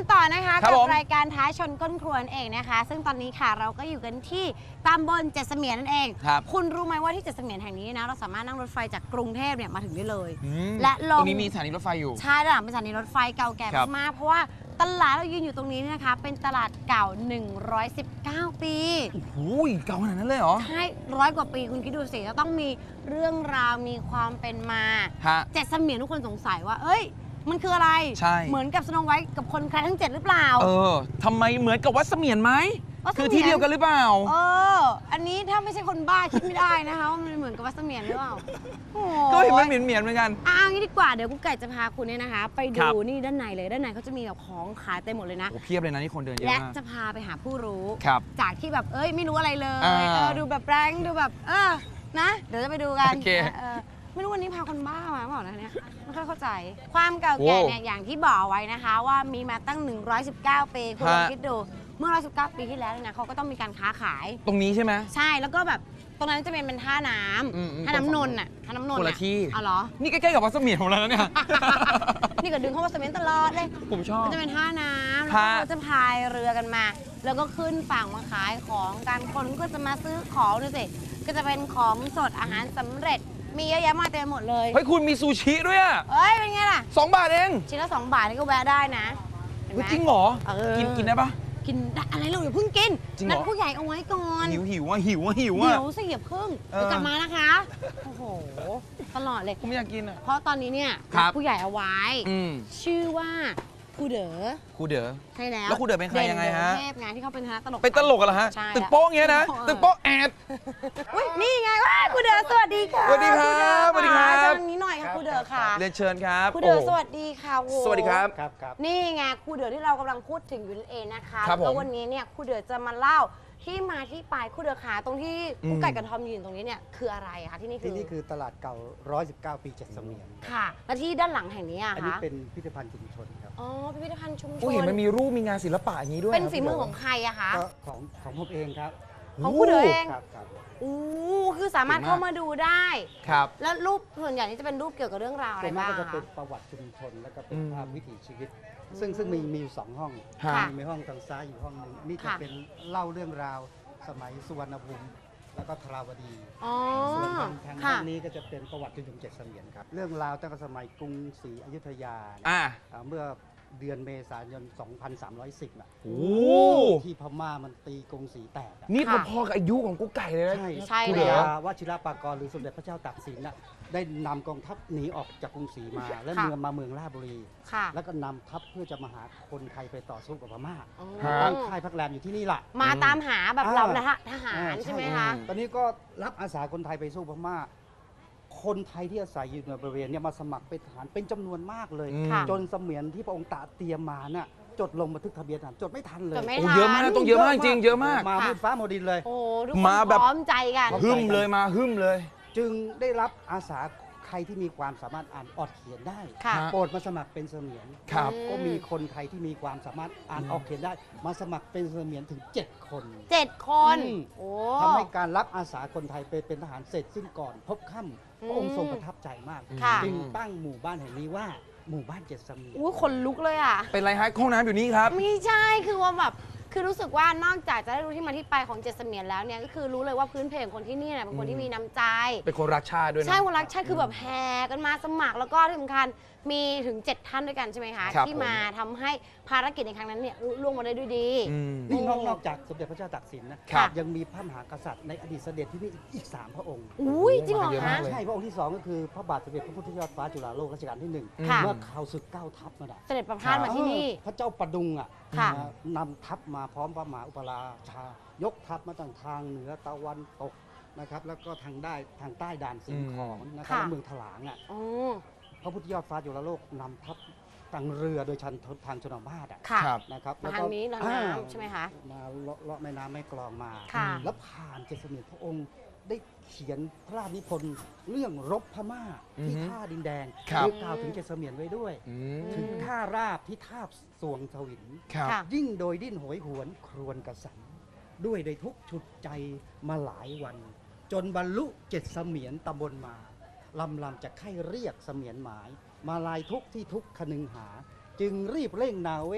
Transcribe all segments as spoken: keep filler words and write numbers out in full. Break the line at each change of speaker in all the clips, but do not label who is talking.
ต่อนะคะกับรายการท้าชนก้นครัวเองนะคะซึ่งตอนนี้ค่ะเราก็อยู่กันที่ตำบลเจ็ดเสมียนนั่นเองคุณรู้ไหมว่าที่เจ็ดเสมียนแห่งนี้นะเราสามารถนั่งรถไฟจากกรุงเทพเนี่ยมาถึงได้เลยและลง
ตรงนี้มีสถานีรถไฟอยู่
ใช่ด้านหลังเป็นสถานีรถไฟเก่าแก่มากๆเพราะว่าตลาดเรายืนอยู่ตรงนี้นะคะเป็นตลาดเก่าหนึ่งร้อยสิบเก้าปี
โอ้โหเก่าขนาดนั้นเลยเหรอ
ใช่ร้อยกว่าปีคุณคิดดูสิจะต้องมีเรื่องราวมีความเป็นมาเจ็ดเสมียนทุกคนสงสัยว่าเอ้ยมันคืออะไร
ใช่
เหมือนกับสโนไวท์กับคนแคระทั้งเจ็ดหรือเปล่า
เออทำไมเหมือนกับวัดเสมียนไหมคือที่เดียวกันหรือเปล่า
เอออันนี้ถ้าไม่ใช่คนบ้าคิดไม่ได้นะคะว่ามันเหมือนกับวัดเสมียนหรือเปล่า
ก็เห็นมันเหมียนเหมียนเหมือนกัน
อ่ะงี้ดีกว่าเดี๋ยวกุ๊กไก่จะพาคุณเนี่ยนะคะไปดูนี่ด้านในเลยด้านในเขาจะมีแบบของขายเต็มหมดเลยนะ
โอ้เพียบเลยนะนี่คนเดินเยอะ
มากและจะพาไปหาผู้รู้จากที่แบบเอ้ยไม่รู้อะไรเลย
เออ
ดูแบบแรงดูแบบเออนะเดี๋ยวจะไปดูกันไม่รู้วันนี้พาคนบ้ามาเปล่านะเนี่ยไม่ค่อยเข้าใจความเก่าแก่เนี่ยอย่างที่บอกไว้นะคะว่ามีมาตั้งหนึ่งร้อยสิบเก้าปีคุณลองคิดดูเมื่อหนึ่งร้อยสิบเก้าปีที่แล้วนะเขาก็ต้องมีการค้าขาย
ตรงนี้ใช่ไหม
ใช่แล้วก็แบบตรงนั้นจะเป็นเป็นท่าน้ำท่าน้ำนนท์อ่ะท่าน้ำนนท์
คนละที่
อ๋อเหรอ
นี่ใกล้ๆกับวัดเสมียนของเราแล้วเนี่ย
นี่ก็ดึงเข้าวัดเสมียนตลอดเลย
ผมชอบ
มันจะเป็นท่าน้ำแล้วก็จะพายเรือกันมาแล้วก็ขึ้นฝั่งมาขายของการคนก็จะมาซื้อของดูสิก็จะเป็นของสดอาหารสำเร็จมีเยอะแยะมากเต็มหมดเลย
เฮ้ยคุณมีซูชิด้วยอ่ะ
เอ้ยเป็นไงล่ะ
สองบาทเอง
ชิ้นละสองบาทนี่ก็แวะได้นะ
จริงเหรอกินกินได้ปะ
กินอะไรเราอย่าเพิ่งกินนัดผู้ใหญ่เอาไว้ก่อน
หิวหิวว่าหิวว่าหิวว่า
หิวสิอย่าเพิ่งเดี๋ยวกลับมานะคะโอ้โหตลอดเลย
ผมอยากกินอ่ะ
เพราะตอนนี้เนี่ยผู้ใหญ่เอาไว้ชื่อว่าครูเด๋อ
ครูเด๋อ
ใช่แล้ว
แล้วครูเด๋อเป็นใครยังไงฮะ
เทพงานที่เขาเป็นคณะตลก
เป็นตลกเหรอฮะตึกโป๊ะเงี้ยนะตึกโป๊ะแอด
อุ้ยนี่ไงว่าครูเด๋อสวัสดีค่ะ
สวัสดีครับสวัสดีครับ
ตรงนี้หน่อยค่ะครูเด๋อค่ะ
เรียนเชิญครับ
ครูเด๋อสวัสดีค่ะ
สวัสดีครับ
ครับครับ
นี่ไงครูเด๋อที่เรากำลังพูดถึงอยู่นั่นเองนะคะแล้ววันนี้เนี่ยครูเด๋อจะมาเล่าที่มาที่ไปครูเด๋อขาตรงที่กุ๊กไก่กับทอมยืนตรงนี้เนี่ยคืออะไรคะที่นี่คือ
ที่นี่คือตลาดเก่าหนึ่งร้อยสิบเก้าปีเจ็ดเสมียน
ค่ะและที่ด้านหลังแห่งนี้อะคะ
อันนี้เป็นพิพิธภัณฑ์ชุมชนครับ
อ๋อพิพิธภัณฑ์ชุมชน
โอ้เห็นมันมีรูปมีงานศิลปะอย่างนี้ด้วย
เป็นฝีมือของใครอะคะ
ก็ของของผมเองครับ
ของครูเด๋อเอง
ครับครับ
อู้คือสามารถเข้ามาดูได้
ครับ
แล้วรูปส่วนใหญ่นี่จะเป็นรูปเกี่ยวกับเรื่องราวอะไรบ้าง
ก็จะเป็นประวัติชุมชนแล้วก็เป็นภาพวิถีชีวิตซึ่งซึ่งมีมีอยู่สองห้องมีห้องทางซ้ายอยู่ห้องนึงนี่จะเป็นเล่าเรื่องราวสมัยสุวรรณภูมิแล้วก็ทราวดีส่วนทางทางด้านนี้ก็จะเป็นประวัติชุมชนเจ็ดเสมียนครับเรื่องราวตั้งแต่สมัยกรุงศรีอยุธยาเมื่อเดือนเมษายน สองพันสามร้อยสิบ น่ะที่พม่ามันตีกรุงศรีแตก
นี่พอๆกับอายุของกุ๊กไก่เลยนะ
ใช่ใช่
เลยว่าชิรปากรหรือสมเด็จพระเจ้าตากสินน่ะได้นำกองทัพหนีออกจากกรุงศรีมาและเมืองมาเมืองราชบุรีแล้วก็นำทัพเพื่อจะมาหาคนไทยไปต่อสู้กับพม่าตั้งค่ายพักแรมอยู่ที่นี่แหละ
มาตามหาแบบเราทหารใช่ไหมคะ
ตอนนี้ก็รับอาสาคนไทยไปสู้พม่าคนไทยที่อาศัยอยู่ในบริเวณนี้มาสมัครเป็นทหารเป็นจำนวนมากเลยจนเสมียนที่พระองค์ตรัสเตรียมมาน่ะจดลงบันทึกทะเบียนทหารจดไม่ทันเลย
เยอะมากต้องเยอะมากจริงเยอะมาก
มามืดฟ้าโมดินเลย
โอ้ทุกคนพร้อมใจกัน
หึ่มเลยมาหึ่มเลย
จึงได้รับอาสาใครที่มีความสามารถอ่านออกเขียนได้โปรดมาสมัครเป็นเสมียนก็มีคนไทยที่มีความสามารถอ่านออกเขียนได้มาสมัครเป็นเสมียนถึงเจ็ดคน
เจ็ดคน
ทำให้การรับอาสาคนไทยไปเป็นทหารเสร็จสิ้นก่อนพบค่ำพระองค์ทรงประทับใจมากจึงตั้งหมู่บ้านแห่งนี้ว่าหมู่บ้านเจ็ดเสมียน
อุ้ยคนลุกเลยอ่ะ
เป็นไรฮะห้องน้ำอยู่นี่ครับ
ไม่ใช่คือว่าแบบคือรู้สึกว่านอกจากจะได้รู้ที่มาที่ไปของเจ็ดเสมียนแล้วเนี่ยก็คือรู้เลยว่าพื้นเพของคนที่นี่เนี่ยเป็นคนที่มีน้ำใจ
เป็นคนรักชาติด้วยนะ
ใช่คนรักชาติคือแบบแห่กันมาสมัครแล้วก็ที่สำคัญมีถึงเจ็ดท่านด้วยกันใช่ไหมคะที่มาทำให้ภารกิจในครั้งนั้นเนี่ยล่วงมาได้ด้วยดี
นี่นอกจากสมเด็จพระเจ้าตากสินนะยังมีพระมหากษัตริย์ในอดีตเสด็จที่นี่อีกสามพระองค์
อุ้ยจริงเหรอคะ
ใช่พระองค์ที่สองก็คือพระบาทสมเด็จพระพุทธยอดฟ้าจุฬาโลกรัชกาลที่หนึ่งเมื่อข่าวศึกเก้าทัพมา
เสด็จประพาสมาที่นี่
พระเจ้าประดุงอ่ะนำทัพมาพร้อมพระมหาอุปราชายกทัพมาตั้งทางเหนือตะวันตกนะครับแล้วก็ทางได้ทางใต้ด่านสิงห์ของนะครับเมืองถลางอ่ะพระพุทธยอดฟ้าจุฬาโลกนำทัพทางเรือโดยชันทางชนบทอ่ะนะครับ
มาทางนี้น้ำใช่ไหมคะ
มาเลาะแม่น้ำแม่กลองมาแล้วผ่านเจ็ดเสมียนพระองค์ได้เขียนพระราชนิพนธ์เรื่องรบพม่าที่ท่าดินแดงโดยกล่าวถึงเจ็ดเสมียนไว้ด้วยถึงท่าราบที่ทาบสวงสวินยิ่งโดยดิ้นโหยหวนครวญกระสันด้วยโดยทุกฉุดใจมาหลายวันจนบรรลุเจ็ดเสมียนตำบลมาลำลำจะไข้เรียกเสมียนหมายมาลายทุกที่ทุกขนึงหาจึงรีบเร่งนาเวศ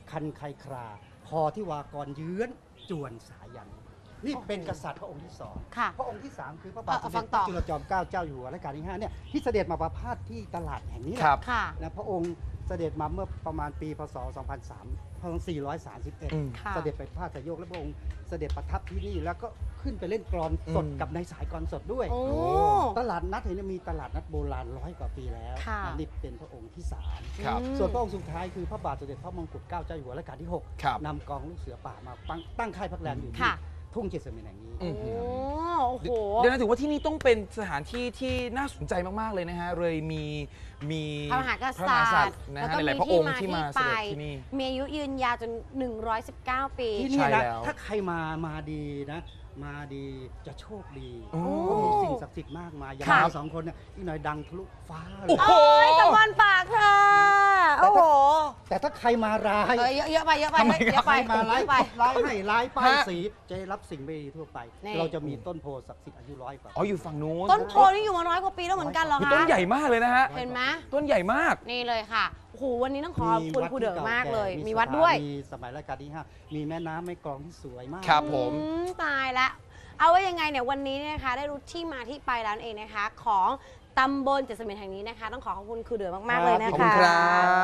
คันไคคราพอที่วากรเยื้อนจวนสายันนี่เป็นกษัตริย์พระองค์ที่สอง
ค่ะ
พระองค์ที่สามคือพระบาทสม
เออฟั
เด็จ
ง
พ
ต่
ระ
อ
จุลจอมเกล้าเจ้าอยู่หัวรัชกาลที่ห้าเนี่ยที่เสด็จมาประพาสที่ตลาดแห่งนี้แหละ
ครับ
ค่ะ
นะพระองค์เสด็จมาเมื่อประมาณปีพศสองพันสามร้อยสี่ร้อยสามสิบเอ็ด
อืม
ค่ะ
เสด็จไปพระราชโยกและพระองค์เสด็จประทับที่นี่แล้วก็ขึ้นไปเล่นกลอนสด
อืม
กับในสายกลอนสดด้วย
โอ้
ตลาดนัดเห็นมีตลาดนัดโบราณร้อยกว่าปีแล้ว
ค่ะ
นี่เป็นพระองค์ที่สาม
ครับ
อืม
ส่วนพระองค์สุดท้ายคือพระบาทสมเด็จพระมงกุฎเกล้าเจ้าอยู่หัวรัชกาลที่หก
ครับ
นำกองลูกเสือป่ามาตั้งตั้งค่ายพักแรมอยู่ที่
ค่ะ
ทุ่งเจษฎาแห่งนี้
อื
โอ้
ม
โอ้โห
เดี๋ยวนะถือว่าที่นี่ต้องเป็นสถานที่ที่น่าสนใจมากๆเลยนะฮะเลยมีมี
พระมหาก
พระม
ษั
หากษั
ต
ต
ริ
ริ
ย์
ย์นะ
แล้ว
ฮะ
ก็
ห
มี
ลายๆพระ
ที่
องค์
มา
ที่
ที่
มาเส
ไป
ด็จที่นี่
มีอายุยืนยาวจนหนึ่งร้อยสิบเก้าปี
ที่นี่
ใช่
นะ
แล้ว
ถ้าใครมามาดีนะ มาดีจะโชคดี
โอ้
เพราะมีสิ่งศักดิ์สิทธิ์มากมายอย่าง
ค่ะ
เราสองคนเนี่ยอีกหน่อยดังทะลุฟ้าเล
โอ้
ย
โห
โอ้ยตะวันปากค่ะ โอ้โห
แต่ถ้าใครมาร้าย
เออเยอะเยอะไปเยอะไป
ทำไม
เยอะ
ใค
ไป
รมาร้าย
เยอะไป
ร้ายให้ร้ายป้าย
ฮะ
สีจะได้รับสิ่งไม่ดีทั่วไป
นี่
เราจะมีต้นโพศักดิ์สิทธิ์อายุร้อยกว่า
อ๋ออยู่ฝั่งนู้น
ต้นโพนี่อยู่มาร้อยกว่าปีแล้วเหมือนกันเหรอ
คือ
คะ
ต้นใหญ่มากเลยนะฮะ
เห็นไหม
ต้นใหญ่มาก
นี่เลยค่ะ โอ้โห วันนี้ต้องขอบคุณ
วัด
ครูเด๋อ
ที่
มากเลย
แ
มีวัดด้วย
มีสมัยรัชกาลที่ห้ามีแม่น้ำแม่กลองที่สวยมาก
ครับผม
อืมตายละเอาไว้ยังไงเนี่ยวันนี้เนี่ยนะคะได้รู้ที่มาที่ไปแล้วนั่นเองนะคะ ของตำบลเจ็ดเสม็ดแห่งนี้นะคะ ต้องขอขอบคุณครูเด๋อมากๆเลยนะ
ขอบ
คะ
คุณครับ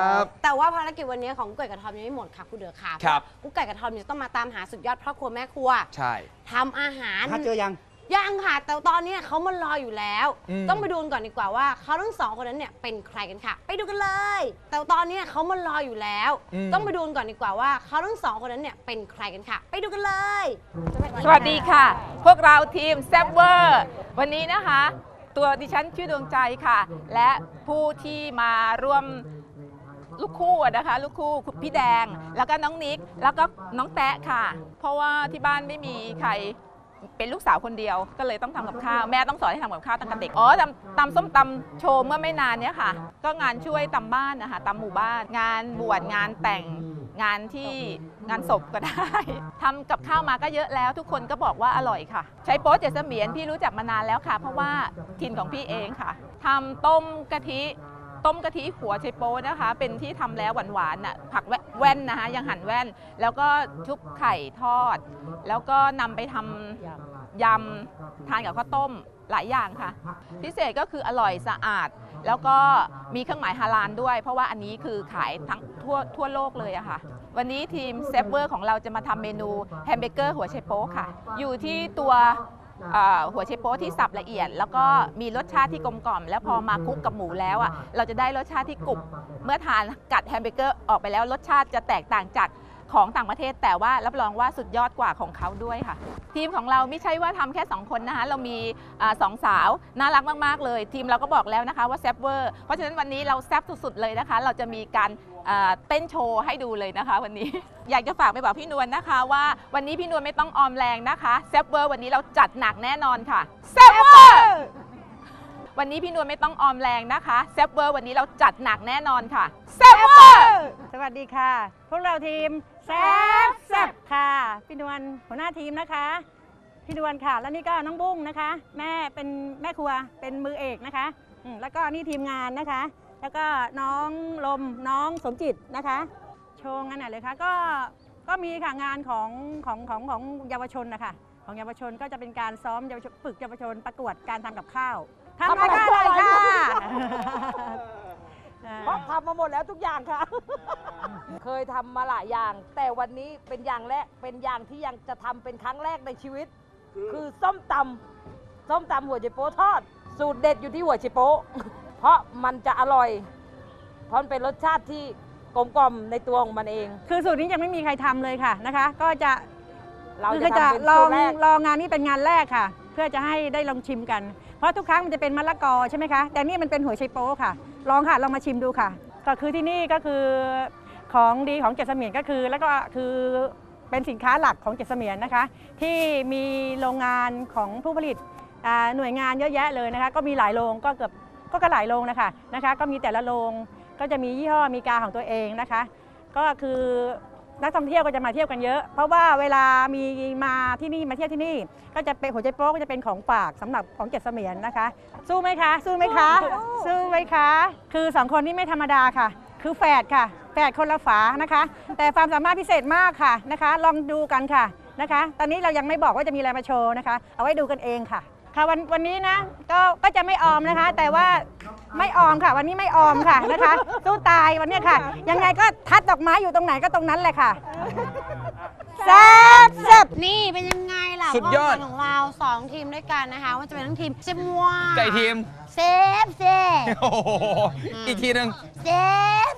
แต่ว่าภารกิจวันนี้ของกุ๊กไก่กระทอมยังไม่หมดค่ะครูเด๋อค่ะ
ครับ
กุ๊กไก่กระทอมเนี่ยต้องมาตามหาสุดยอดพ่อครัวแม่ครัว
ใช่
ทำอาหาร
ถ้าเจอยัง
ยังค่ะ แต่ตอนนี้เขามารออยู่แล้ว
อืม
ต้องไปดูกันก่อนดีกว่าว่าเขาทั้งสองคนนั้นเนี่ยเป็นใครกันค่ะ ไปดูกันเลย แต่ตอนนี้เขามารออยู่แล้ว ต้องไปดูกันก่อนดีกว่าว่าเขาทั้งสองคนนั้นเนี่ยเป็นใครกันค่ะ ไปดูกันเลย
สวัสดีค่ะ พวกเราทีมแซบเวอร์วันนี้นะคะ ตัวดิฉันชื่อดวงใจค่ะ และผู้ที่มาร่วมลูกคู่อะนะคะ ลูกคู่คุณพี่แดง แล้วก็น้องนิก แล้วก็น้องแตะค่ะ เพราะว่าที่บ้านไม่มีใครเป็นลูกสาวคนเดียว ก็เลยต้องทำกับข้าว แม่ต้องสอนให้ทำกับข้าวตั้งแต่เด็ก อ๋อตำตำส้มตำโชว์เมื่อไม่นานเนี้ยค่ะ ก็งานช่วยตำบ้านนะคะตำหมู่บ้าน งานบวชงานแต่งงานที่งานศพก็ได้ ทำกับข้าวมาก็เยอะแล้ว ทุกคนก็บอกว่าอร่อยค่ะ ใช้โป๊เจดเสมียนพี่รู้จักมานานแล้วค่ะ เพราะว่าถิ่นของพี่เองค่ะทำต้มกะทิต้มกะทิหัวไชโป๊นะคะ เป็นที่ทำแล้วหวานๆน่ะผักแว่นนะคะยังหั่นแว่น แล้วก็ชุบไข่ทอด แล้วก็นำไปทำยำทานกับข้าวต้มหลายอย่างค่ะ พิเศษก็คืออร่อยสะอาด แล้วก็มีเครื่องหมายฮาลาลด้วย เพราะว่าอันนี้คือขายทั้งทั่วทั่วโลกเลยอะค่ะ วันนี้ทีมเซฟเวอร์ของเราจะมาทำเมนูแฮมเบเกอร์หัวไชโป๊ค่ะ อยู่ที่ตัวเอ่อหัวไชโป๊ที่สับละเอียด แล้วก็มีรสชาติที่กลมกล่อม แล้วพอมาคลุกกับหมูแล้วอ่ะเราจะได้รสชาติที่กรุบเมื่อทานกัดแฮมเบเกอร์ออกไปแล้วรสชาติจะแตกต่างจากของต่างประเทศ แต่ว่ารับรองว่าสุดยอดกว่าของเขาด้วยค่ะ ทีมของเราไม่ใช่ว่าทำแค่สองคนนะคะเรามีอาสองสาวน่ารักมากๆเลย ทีมเราก็บอกแล้วนะคะว่าแซบเวอร์เพราะฉะนั้นวันนี้เราแซบสุดๆเลยนะคะ เราจะมีการอ่าเต้นโชว์ให้ดูเลยนะคะ วันนี้ อยากจะฝากไปบอกพี่นวลนะคะว่าวันนี้พี่นวลไม่ต้องออมแรงนะคะแซบเวอร์วันนี้เราจัดหนักแน่นอนค่ะแซบเวอร์วันนี้พี่นวลไม่ต้องออมแรงนะคะแซบเวอร์วันนี้เราจัดหนักแน่นอนค่ะแซบเวอร์
สวัสดีค่ะ พวกเราทีมแซบแซบค่ะพี่นวลหัวหน้าทีมนะคะพี่นวลค่ะ แล้วนี่ก็น้องบุ้งนะคะ แม่เป็นแม่ครัวเป็นมือเอกนะคะอืมแล้วก็นี่ทีมงานนะคะ แล้วก็น้องลมน้องสมจิตนะคะโชว์งานไหนเลยคะก็ก็มีค่ะงานของของของของเยาวชนนะคะของเยาวชนก็จะเป็นการซ้อมเยาวชนฝึกเยาวชนประกวดการทำกับข้าวทำอะไรก็อร่อยค่ะ
เพราะทำมาหมดแล้วทุกอย่างค่ะ เคยทำมาหลายอย่าง แต่วันนี้เป็นอย่างแรกเป็นอย่างที่ยังจะทำเป็นครั้งแรกในชีวิต คือส้มตำส้มตำหัวไชโป๊ทอด สูตรเด็ดอยู่ที่หัวไชโป๊ เพราะมันจะอร่อย เพราะมันเป็นรสชาติที่กลมกล่อมในตัวของมันเอง
คือสูตรนี้ยังไม่มีใครทำเลยค่ะนะคะ ก็จะ
เรา
คือ
จะ
จะ
ทำเป็น
ลอ
สู
ง
ตรแรก
ลองงานนี้เป็นงานแรกค่ะ เพื่อจะให้ได้ลองชิมกัน เพราะทุกครั้งมันจะเป็นมะละกอใช่ไหมคะแต่นี่มันเป็นหัวไชโป๊ค่ะ ลองค่ะลองมาชิมดูค่ะ ก็คือที่นี่ก็คือของดีของเจ็ดเสมียนก็คือ แล้วก็คือเป็นสินค้าหลักของเจ็ดเสมียนนะคะ ที่มีโรงงานของผู้ผลิตอ่าหน่วยงานเยอะแยะเลยนะคะ ก็มีหลายโรงก็เกือบก็ก็หลายโรงนะคะนะคะ ก็มีแต่ละโรงก็จะมียี่ห้อมีกาของตัวเองนะคะ ก็คือนักท่องเที่ยวก็จะมาเที่ยวกันเยอะ เพราะว่าเวลามีมาที่นี่มาเที่ยวที่นี่ก็จะเป็นหัวใจโป๊กก็จะเป็นของฝากสำหรับของเจ็ดเสมียนนะคะ สู้ไหมคะ สู้ไหมคะ สู้ไหมคะ คือสองคนนี้ไม่ธรรมดาค่ะ คือแฝดค่ะ แฝแฝดคนละฝานะคะ แต่ความสามารถพิเศษมากค่ะนะคะ ลองดูกันค่ะนะคะ ตอนนี้เรายังไม่บอกว่าจะมีอะไรมาโชว์นะคะ เอาไว้ดูกันเองค่ะค่ะวันวันนี้นะก็ก็จะไม่ออมนะคะ แต่ว่าไม่ออมค่ะ วันนี้ไม่ออมค่ะนะคะสู้ตายวันนี้ค่ะ ยังไงก็ทัดดอกไม้อยู่ตรงไหนก็ตรงนั้นแหละค่ะแซ่บแซ่บ
นี่เป็นยังไงล่ะ
สุดยอด
ความฝันของเราสองทีมด้วยกันนะคะว่าจะเป็นทั้งทีมเซฟมัว
ไก่ทีม
เซฟเซฟ
โอ้โหอีกทีหนึ่ง
เซฟ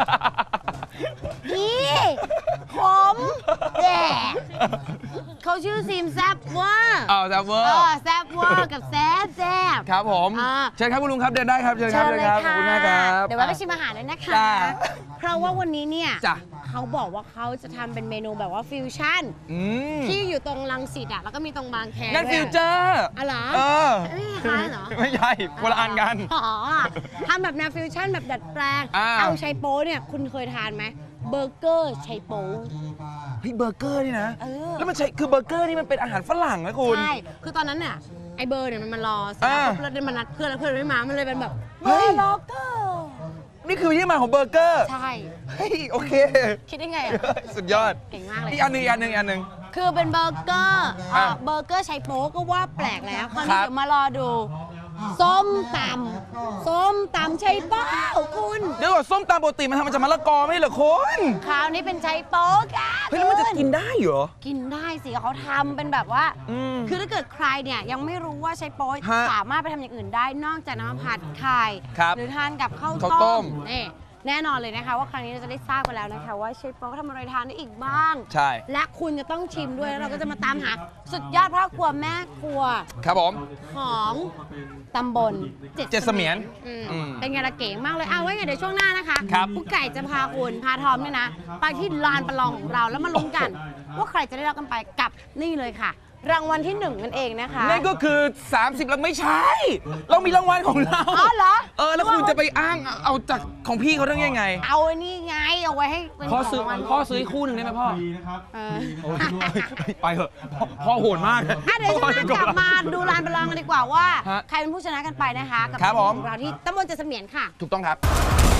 ดีผมแดกเขาชื่อทีมแซฟเวอร์
อ้าวแซฟเวอ
เอ
ร์
อแซฟเวอร์กับแซฟแซฟ
ครับผม
อ่า
เชิญครับคุณลุงครับเดินได้ครับเชิญค
เชิ
รับ
ญ
เชิญ
เลย
ครับขอบ
ค่ะ
คุณมากครับ
เดี๋ยวไว้ไปชิมอาหารเลยนะคะ
จ้า
เพราะว่าวันนี้เนี่ย
จ้ะ
เขาบอกว่าเขาจะทำเป็นเมนูแบบว่าฟิวชั่น
อืม
ที่อยู่ตรงรังสิตอ่ะแล้วก็มีตรงบางแค
งั้น
ด้วย
ฟิวเจอร์
อ๋อเหรอ
เออ
ไม่คล้ายเหรอ
ไม่ใช่คนละอันกัน
อ๋อทำแบบแนวฟิวชั่นแบบดัดแปลง
อ่า
เอาไชโป๊เนี่ยคุณเคยทานไหมเบอร์เกอร์ไชโป๊
เฮ้ยเบอร์เกอร์นี่นะ
เออ
แล้วมันใช่คือเบอร์เกอร์นี่มันเป็นอาหารฝรั่งนะคุณ
ใช่คือตอนนั้นเนี่ยไอเบอร์เนี่ยมันมารอเสร็จ
อ่า
แล้วเราเดินมานัดเพื่อนแล้วเพื่อนไม่มามันเลยเป็นแบบ
เฮ้
เบอย ร์ล็อกเกอร์
นี่คือที่มาของเบอร์เกอร์
ใช่
เฮ้ยโอเค
คิดได้ไงอ่ะ
สุดยอด
เก่งมากเลย
อีกอันหนึ่งอีกอันหนึ่งอีกอันหนึ่ง
คือเป็นเบอร์เกอร์เอ่อ
อ่ะ
เบอร์เกอร์ไชโป๊ก็ว่าแปลกแล้วคราว
ครั
นี้
บ
เดี๋ยวมารอดู ส้มตำส้มตำไชโป๊คุณ
เดี๋ยวก่อนส้มตำปกติมันทำมาจากมะละกอไม่ใช่เหรอคุณ
คราวนี้เป็นไชโป๊กัน
เฮ้ยแล้วมันจะกินได้เหรอ
กินได้สิเขาทำเป็นแบบว่า
อืม
คือถ้าเกิดใครเนี่ยยังไม่รู้ว่าไชโป๊
ฮะ
สามารถไปทำอย่างอื่นได้นอกจากน้ำมันผัดไข่
ครับ
หรือทานกับข้าว
ข้าวต้
ต้
ม
มนี่แน่นอนเลยนะคะว่าครั้งนี้เราจะได้ทราบกันแล้วนะคะว่าไชโป๊ทำอะไรทานได้อีกบ้าง
ใช่
และคุณจะต้องชิมด้วยแล้วเราก็จะมาตามหาสุดยอดพ่อครัวแม่ครัว
ครับผม
ของตำบล
เจ็ดเสมียน
อืม
อืม
เป็นไงล่ะเก๋มากเลยเอาไว้ไงเดี๋ยวช่วงหน้านะคะ
ครับ
ผู้ไก่จะพาคุณพาทอมเนี่ยนะ ไปที่ลานประลองของเราแล้วมาลุ้นกัน ว่าใครจะได้รับกันไปกับนี่เลยค่ะ รางวัลที่หนึ่งนั่นเองนะคะ
นั่นก็คือ สามสิบแล้วไม่ใช่ เรามีรางวัลของเรา
อ๋อเหรอ
เออ แล้วคุณจะไปอ้างเอาจากของพี่เขาได้ยังไง
เอาไอ้นี่ไงเอาไว้ให้เป็น
พ่อ
ข
ซื้อ
องรางวัล
พ่อซื้อคู่หนึ่งได้ไหมพ่อ
เออ
ไปเถอะพ่อพ่อโหดมาก
อ่ะเดี๋ยวช่วงหน้ากลับมาดูลานประลองกันดีกว่าว่า
ฮะ
ใครเป็นผู้ชนะกันไปนะคะกับ
ครับผม
ของเราที่ตำบลเจ็ดเสมียนค่ะ
ถูกต้องครับ